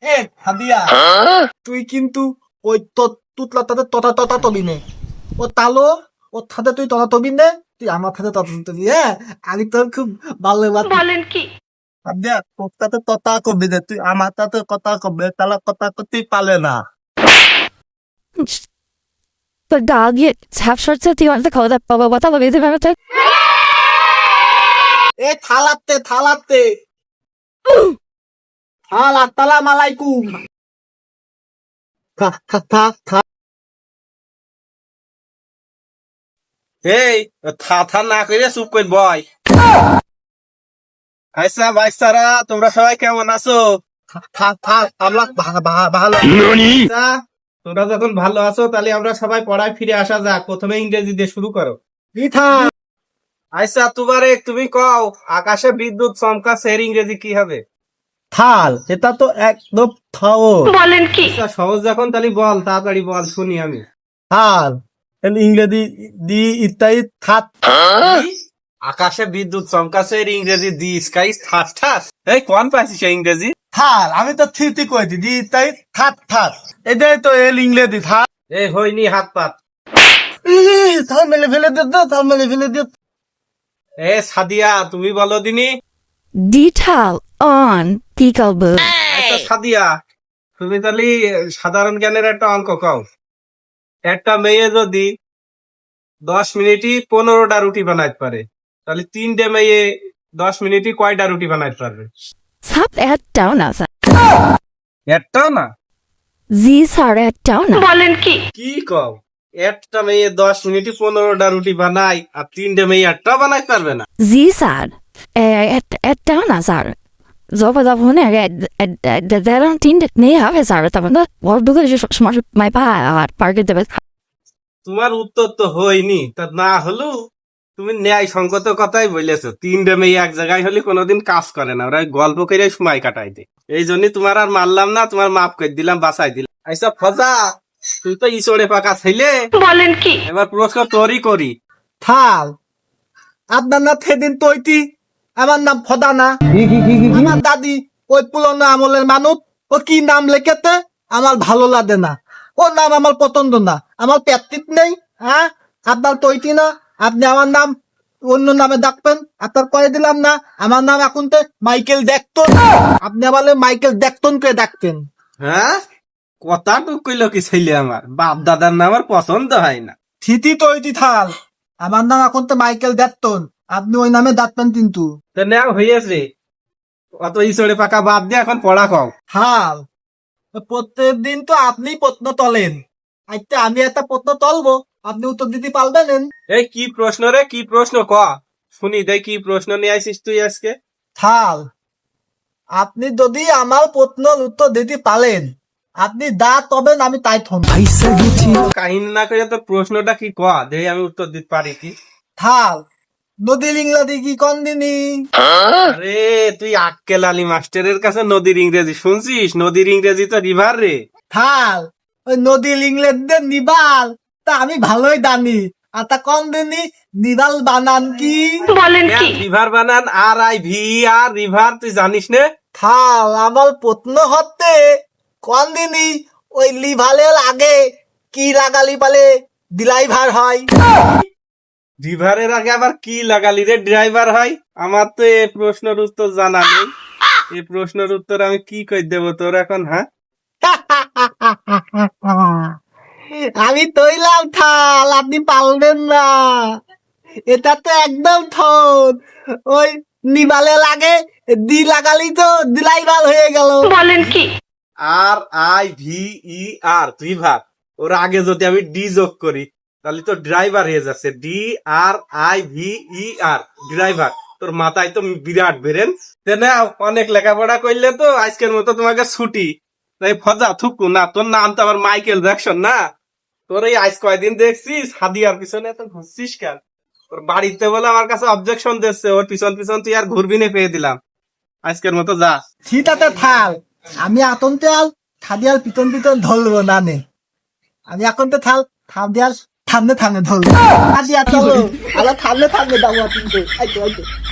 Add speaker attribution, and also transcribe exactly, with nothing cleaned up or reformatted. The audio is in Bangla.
Speaker 1: এ হাদিয়া, তুই কিন্তু ওই তুতলা তাদের তথা তথা তবি নে, ও তালো ওর সাথে তুই তথা তবি নে, তুই আমার সাথে তথা তবি। হ্যাঁ, আমি তোর খুব ভালো বলেন কি হাদিয়া, তোর সাথে তথা কবি নে, তুই আমার সাথে কথা কবে, তাহলে কথা করতেই পালে না।
Speaker 2: But dog, you have short set. You want to call that Baba? What are we doing about it?
Speaker 1: এ থালাতে থালাতে থালা তালাম আলাইকুম। থা থা থা থা
Speaker 3: এই থা থা না করে চুপ করে বয়। আচ্ছা ভাইসারা, তোমরা সবাই কেমন আছো?
Speaker 1: থা থা আমরা ভা- ভা- ভালো।
Speaker 3: আচ্ছা, তোমরা যখন ভালো আছো তাহলে আমরা সবাই পড়ায় ফিরে আসা যাক। প্রথমে ইংরেজি দিয়ে শুরু করো।
Speaker 1: মিঠা
Speaker 3: আচ্ছা তুবারে তুমি কও, আকাশে বিদ্যুৎ চমকাচ্ছে এর ইংরেজি কি হবে?
Speaker 1: থাল, এটা তো একদম থাওর।
Speaker 3: আচ্ছা সহজ যখন তাহলে বল, তাড়াতাড়ি বল শুনি আমি।
Speaker 1: থাল এর ইংরেজি দি ইত্যাদি থাত।
Speaker 3: কি? আকাশে বিদ্যুৎ চমকাচ্ছে এর ইংরেজি দি স্কাই ঠাস ঠাস। এই কোন পাইছিস এই ইংরেজি?
Speaker 1: থাল, আমি তো থিতি কইছি দি ইত্যাদি থাত থাত, এটাই তো এর ইংরেজি থাল।
Speaker 3: এই হয়নি হাত পাত।
Speaker 1: ই, থাল মেলে ফেলে দে তো, থাল মেলে ফেলে দে।
Speaker 3: এ সাদিয়া তুমি বলো দিনি।
Speaker 2: Detail on peekaboo.
Speaker 3: আচ্ছা সাদিয়া, তুমি তাহলে সাধারণ জ্ঞানের একটা অঙ্ক কও। একটা মেয়ে যদি দশ মিনিটই পনেরোটা রুটি বানাইতে পারে, তাহলে তিনটে মেয়ে দশ মিনিটই কয়টা রুটি বানাইতে পারবে?
Speaker 2: Stop at down as a
Speaker 3: একটাও না।
Speaker 2: These are at down.
Speaker 3: কি কও, একটা মেয়ে দশ মিনিটই পনেরোটা রুটি বানায় আর তিনটে মেয়ে একটাও বানাইতে পারবে না?
Speaker 2: These are at at down as a so but the one at the there don't think that may have as a but the what do you smart my pa at park the
Speaker 3: তোমার উত্তর তো হয়নি, তা না হলেও তুমি ন্যায় সঙ্গত কথাই বলেছো। তিনটে মেয়ে এক জায়গায় হলে কোনোদিন কাজ করে না, ওরা গল্প করে সময় কাটাই দেয়। এই জন্য তোমার আর মারলাম না, তোমার মাফ করে দিলাম, বাঁচাই দিলাম। আচ্ছা ফজা, তুই তো ইসড়ে পাকা ছেলে, বলেন কি এবার প্রশ্ন তোরই করি।
Speaker 1: থাল, আপনার না সেদিন তৈতি, আমার নাম ফদানা। আমার দাদি ওই পুরনো আমলের মানুষ, ও কি নাম লেখেতে আমার ভালো লাগে না, ওর নাম আমার পছন্দ না, আমার প্যাত্রিক নেই। হ্যাঁ, আপনার তৈতি না, আপনি আমার নাম অন্য নামে ডাকবেন, আপনার করে দিলাম না। আমার নাম এখন তো মাইকেল দেখতন, আপনি আমার মাইকেল দেখতন করে ডাকতেন।
Speaker 3: হ্যাঁ, কথা টুক কইলো কি ছেলে, আমার বাপ দাদার নাম আমার পছন্দ হয় না।
Speaker 1: থিতি তৈতি থাল, আমার নাম এখন তো মাইকেল দেখতন, আপনি ওই নামে ডাকবেন কিন্তু।
Speaker 3: তো নেও হয়েছে, অত ইসড়ে পাকা বাদ দিয়ে এখন পড়া কও।
Speaker 1: হাল, প্রত্যেক দিন তো আপনি প্রশ্ন তলেন, আচ্ছা আমি একটা প্রশ্ন তলবো, আপনি উত্তর দিতে পারবেন?
Speaker 3: এই কি প্রশ্ন রে, কি প্রশ্ন ক শুনি দেখ, কি প্রশ্ন নিয়ে আইসিস তুই আজকে?
Speaker 1: থাল, আপনি যদি আমার প্রশ্নের উত্তর দিতে পারেন, আপনি দা তবেন, আমি তাই থন।
Speaker 3: কাহিনী না করে তো প্রশ্নটা কি ক দেই, আমি উত্তর দিতে পারি কি?
Speaker 1: থাল, নদীর ইংরাজি কি কোন দিনই?
Speaker 3: আরে তুই আক্কেল আলী মাস্টারের কাছে নদীর ইংরেজি শুনছিস? নদীর ইংরেজি তো রিভার রে।
Speaker 1: থাল, ওই নদীর ইংরেজদের নিবাল তা আমি ভালোই জানি, আর তা কোন দিনই নিবাল বানান কি?
Speaker 3: রিভার বানান R I V R river, তুই জানিস নে?
Speaker 1: থাল, আমার প্রশ্ন হতে কোন দিনই ওই লিভালের আগে কি লাগালি পালে ড্রাইভার হয়?
Speaker 3: রিভারের আগে আবার কি লাগালি রে ড্রাইভার হয়? আমার তো এই প্রশ্নের উত্তর জানা নেই, এই প্রশ্নের উত্তর আমি কি কই দেবো তোর এখন? হ্যাঁ,
Speaker 1: আমি তৈলাম থাল, আপনি পারবেন না, এটা তো একদম ঠোঁট, ওই নিবালে লাগে দি লাগালি তো ড্রাইভার হয়ে গেল।
Speaker 3: R I V E R river, ওর আগে যদি আমি ডি যোগ করি তাহলে তো ড্রাইভার হয়ে যাচ্ছে। D R I V E R driver. তোর মাথায় তো বিরাট বেরেন। অনেক লেখাপড়া করলে তো আজকের মতো তোমাকে ছুটি। তাই ফজা থুকু না, তোর নাম তো আবার মাইকেল জ্যাকসন না। তোর এই আজ কয়দিন দেখছিস হাদিয়ার পিছনে এত ঘুরছিস কেন? তোর বাড়িতে বলে আমার কাছে অবজেকশন দিচ্ছে, ওর পিছন পিছন তুই আর ঘুরবি না, পেয়ে দিলাম। আজকের মতো যা।
Speaker 1: সেটাতে থাল, আমি এখন তো আর খাদিয়ার পিছন পিছন ধরবো না নে, আমি এখন তো থাল খাদিয়ার থামনে থামনে ধরবো। খাদিয়া চলো, আমার থামনে থামনে যাবো কিন্তু।